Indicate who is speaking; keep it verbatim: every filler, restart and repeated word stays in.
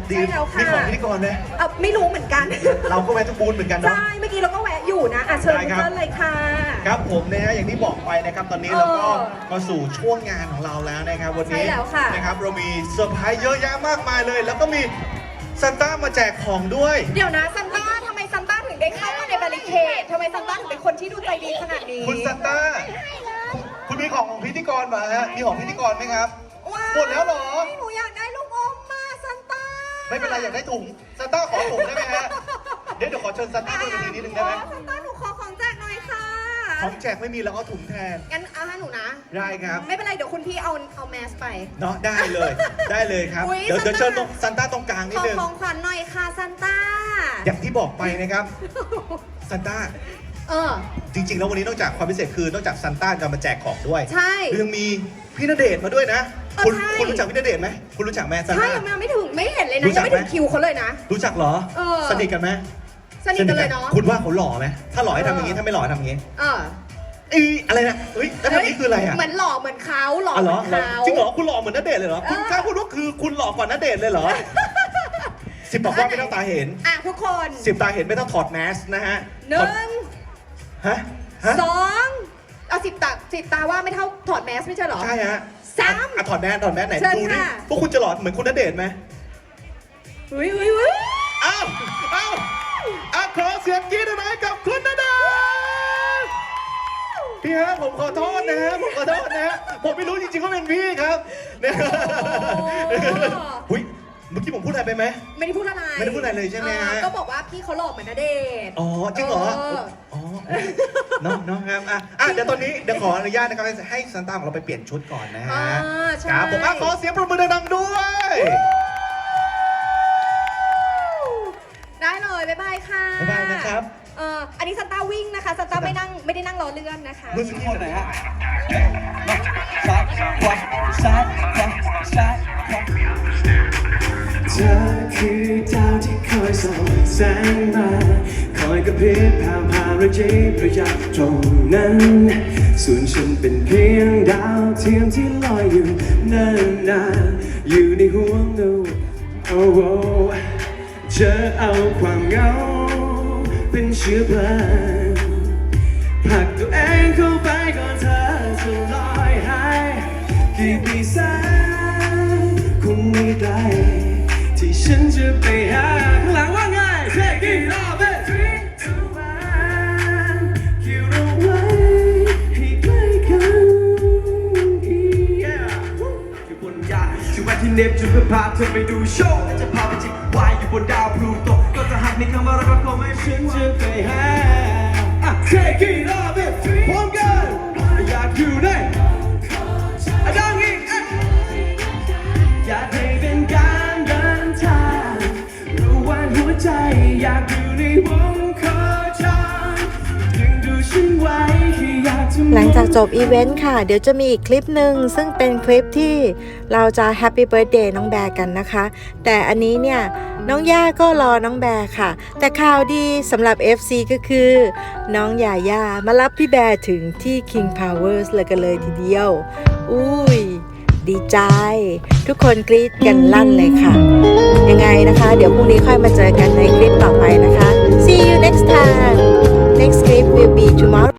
Speaker 1: ดีมีของพิธีกรไหม
Speaker 2: เออไม่รู้เหมือนกัน
Speaker 1: เราก็แวะทุกบูธเหมือนกันเนาะ
Speaker 2: ใช่เมื่อกี้เราก็แวะอยู่นะอ่ะเชิญเชิญเลยค่ะ
Speaker 1: ครับผมนะฮะอย่างที่บอกไปนะครับตอนนี้เราก็มาสู่ช่วงงานของเราแล้วนะครับวันนี้นะครับเรามีเซอร์ไพรส์เยอะแยะมากมายเลยแล้วก็มีซันต้ามาแจกของด้วย
Speaker 2: เดี๋ยวนะซันต้าทำไมซันต้าถึงได้เข้ามาในบาริเคดทำไมซันต้าถึงเป็นคนที่ดูใจดีขนาดนี้
Speaker 1: คุณซันต้าคุณมีของของพิธีกรมาฮะมีของพิธีกรไหมครับหมดแล้วเหรอ
Speaker 2: หนูอยากได้ลูกอมมาซันต้า
Speaker 1: ไม่เป็นไรอยากได้ถุงซันต้าขอถุงได้ไหมฮะเดี๋ยวเดี๋ยวขอเชิญซันต้าด้วยนิดนึงได้ไหม
Speaker 2: ซันต้าหนูขอของแจกหน่อยค่ะ
Speaker 1: ของแจกไม่มีแล้วเอาถุงแทน
Speaker 2: งั้นเอาให้หนูนะ
Speaker 1: ได้ครับ
Speaker 2: ไม่เป็นไรเดี๋ยวคุณพี่เอาเอาแมสไป
Speaker 1: เนาะได้เลยได้เลยครับเดี๋ยวเชิญตรงซันต้าตรงกลางนิดนึง
Speaker 2: ขอของขวัญหน่อยค่ะซันต้า
Speaker 1: อย่างที่บอกไปนะครับซันต้า
Speaker 2: เออ
Speaker 1: จริงๆแล้ววันนี้นอกจากความพิเศษคือนอกจากซันต้าจะมาแจกของด้วย
Speaker 2: ใช่
Speaker 1: ยังมีพี่ณเดชน์มาด้วยนะคุณคุณรู้จักพี่ณเดชน์ไหมคุณรู้จักแม่ซันต้า
Speaker 2: ใช่ยังไม่ถึงไม่เห็นเลยนะยังไม่ถึงคิวเขาเลยนะ
Speaker 1: รู้จักเหรอสนิทกันไหม
Speaker 2: สนิทกันเลยเนาะ
Speaker 1: คุณว่าเขาหล่อไหมถ้าหล่อให้ทำอย่างนี้ถ้าไม่หล่อให้ทำอย่างนี้
Speaker 2: เออ
Speaker 1: อีอะไรนะเฮ้ยแล้วทำนี้คืออะไรอ่ะ
Speaker 2: เหมือนหล่อเหมือนเขาหล่อเหมือนเขา
Speaker 1: จริงเหรอคุณหล่อเหมือนณเดชน์เลยเหรอคุณกล้าพูดว่าคือคุณหล่อกว่าณเดชน์เลยเหรอสิบบอกว่าไม่ต้องตาเห็น
Speaker 2: อ่ะทุกคน
Speaker 1: สิบตาเห็นไม่ต้องถอดแมสนะฮะ
Speaker 2: หนึ่ง
Speaker 1: ฮะ
Speaker 2: สองเอาสิบตาสิบตาว่าไม่เท่าถอดแมสไม่ใช่เหรอ
Speaker 1: ใช่ฮะ
Speaker 2: สาม
Speaker 1: อ่ะถอดแมสถอดแมสไหนดูดิพวกคุณจะหล่อเหมือนคุณณเดชน์ไหม
Speaker 2: อุ้ยอุ้ยอุ้ย
Speaker 1: อ้าวอ้าวอ่ะขอเสียงกรี๊ดหน่อยกับคุณณเดชน์พี่ฮะผมขอโทษนะฮะผมขอโทษนะฮะผมไม่รู้จริงๆว่าเป็นพี่ครับเนี่ยหุ้ยเมื่อกี้ผมพูดอะไรไปไหม
Speaker 2: ไม่ได้พูดอะไร
Speaker 1: ไม่ได้พูดอะไรเลยใช่ไหมฮะ
Speaker 2: ก็บอกว่าพี่เขาหล่อเหมือนณเดชน์
Speaker 1: อ๋อจริงเหรออ๋อเนาะเนาะครับอ่ะอ่ะเดี๋ยวตอนนี้เดี๋ยวขออนุญาตนะครับให้ซันต้าของเราไปเปลี่ยนชุดก่อนนะฮะครับผมขอเสียงปรบมือดังๆด้วย
Speaker 2: ได้เลยบ๊ายบายค่ะ
Speaker 1: บ๊ายบายนะครับ
Speaker 2: เอ่ออันนี้ซันต้าวิ่งนะคะซันต้าไม่นั่งไม่ได้นั่งรอเลื่อนนะคะ
Speaker 1: มือสุดที่ไหนฮะ
Speaker 3: ซ้ายขวาซ้ายขวาซ้ายขวาเธอคือดาวที่คอยส่องแสงมาคอยกระพริบผ่านผ่านระยิบระยับตรงนั้นส่วนฉันเป็นเพียงดาวเทียมที่ลอยอยู่นานๆอยู่ในห่วงดาวโอ้โหเธอเอาความเหงาเป็นเชื้อเพลิงผลักตัวเองเข้าไปก่อนเธอจะลอยหายกี่ปีแสนคงไม่ไกลที่ฉันจะไปหาข้างหลังว่าไง Take it off it three two one คิวเราไว้ให้ใกล้กันอยู่บนยานที่วันที่เนปจูนเพื่อพาเธอไปดูโชว์และจะพาไปจิบวายอยู่บนดาวพลูโตก็จะหักในคำว่ารักก็คงไม่ฉันจะไปหา Take it off it พร้อมกันอยากอยู่ในดังอีกอยากให้เป็นการเดินทางรู้ว่าหัวใจอยากอยู่ในวงโคจรดึงดูฉันไว้ที่อยากจะ
Speaker 4: หลังจากจบอีเวนต์ค่ะเดี๋ยวจะมีอีกคลิปหนึ่งซึ่งเป็นคลิปที่เราจะแฮปปี้เบิร์ธเดย์น้องแบร์กันนะคะแต่อันนี้เนี่ยน้องย่าก็รอน้องแบร์ค่ะแต่ข่าวดีสำหรับ เอฟ ซี ก็คือน้องยาย่ามารับพี่แบร์ถึงที่ King Powers เลยกันเลยทีเดียวอุ้ยดีใจทุกคนกรี๊ดกันลั่นเลยค่ะยังไงนะคะเดี๋ยวพรุ่งนี้ค่อยมาเจอกันในคลิปต่อไปนะคะ See you next time next clip will be tomorrow